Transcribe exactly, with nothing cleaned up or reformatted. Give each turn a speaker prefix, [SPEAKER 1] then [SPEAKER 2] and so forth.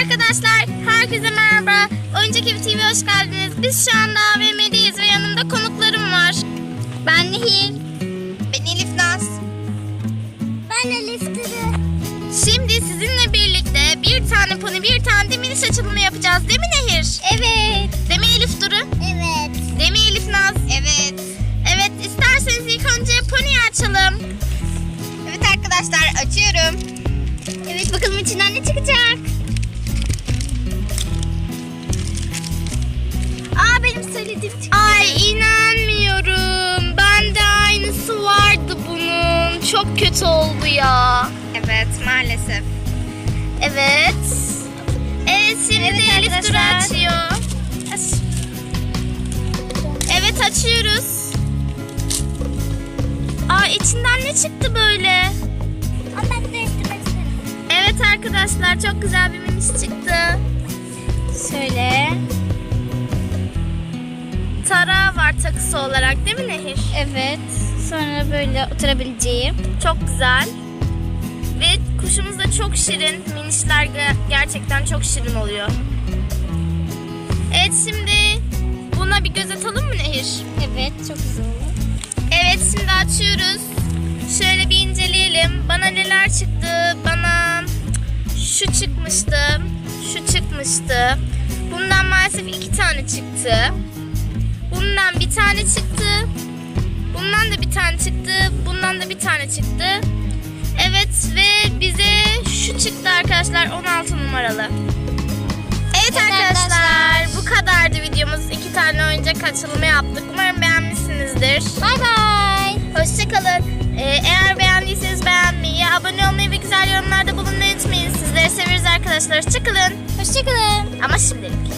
[SPEAKER 1] Arkadaşlar herkese merhaba. Oyuncak T V'ye hoş geldiniz. Biz şu anda A V M'deyiz ve yanımda konuklarım var. Ben Nehir.
[SPEAKER 2] Ben Elif Naz.
[SPEAKER 3] Ben Elif Duru.
[SPEAKER 1] Şimdi sizinle birlikte bir tane pony, bir tane de miniş açılımı yapacağız. Değil mi Nehir?
[SPEAKER 3] Evet.
[SPEAKER 1] Değil mi Elif Duru?
[SPEAKER 3] Evet.
[SPEAKER 1] Değil mi Elif Naz?
[SPEAKER 2] Evet.
[SPEAKER 1] Evet, isterseniz ilk önce pony'yi açalım.
[SPEAKER 2] Evet arkadaşlar, açıyorum.
[SPEAKER 3] Evet, bakalım içinden ne çıkacak? Aa, benim söylediğim çıktı.
[SPEAKER 1] Ay inanmıyorum. Bende aynısı vardı bunun. Çok kötü oldu ya.
[SPEAKER 2] Evet, maalesef.
[SPEAKER 1] Evet. Evet, şimdi
[SPEAKER 3] Evet
[SPEAKER 1] de Elif Duru
[SPEAKER 3] arkadaşlar.
[SPEAKER 1] açıyor. Aç. Evet, açıyoruz. Aa, içinden ne çıktı böyle?
[SPEAKER 3] Ama ben de değiştirmek isterim.
[SPEAKER 1] Evet arkadaşlar, çok güzel bir miniş çıktı.
[SPEAKER 3] Şöyle.
[SPEAKER 1] Tarağı var takısı olarak, değil mi Nehir?
[SPEAKER 3] Evet. Sonra böyle oturabileceğim.
[SPEAKER 1] Çok güzel. Ve kuşumuz da çok şirin. Minişler ge- gerçekten çok şirin oluyor. Evet, şimdi buna bir göz atalım mı Nehir?
[SPEAKER 3] Evet, çok güzel olur.
[SPEAKER 1] Evet, şimdi açıyoruz. Şöyle bir inceleyelim. Bana neler çıktı? Bana şu çıkmıştı. Şu çıkmıştı. Bundan maalesef iki tane çıktı. Bundan bir tane çıktı. Bundan da bir tane çıktı. Bundan da bir tane çıktı. Evet ve bize şu çıktı arkadaşlar, on altı numaralı. Evet
[SPEAKER 3] Evet
[SPEAKER 1] arkadaşlar,
[SPEAKER 3] arkadaşlar.
[SPEAKER 1] bu kadardı videomuz. İki tane oyuncak açılımı yaptık. Umarım beğenmişsinizdir.
[SPEAKER 3] Bay bay.
[SPEAKER 1] Hoşçakalın. Ee, eğer beğendiyseniz beğenmeyi, abone olmayı ve güzel yorumlarda bulunmayı unutmayın. Sizleri severiz arkadaşlar. Hoşçakalın.
[SPEAKER 3] Hoşçakalın.
[SPEAKER 1] Ama şimdilik.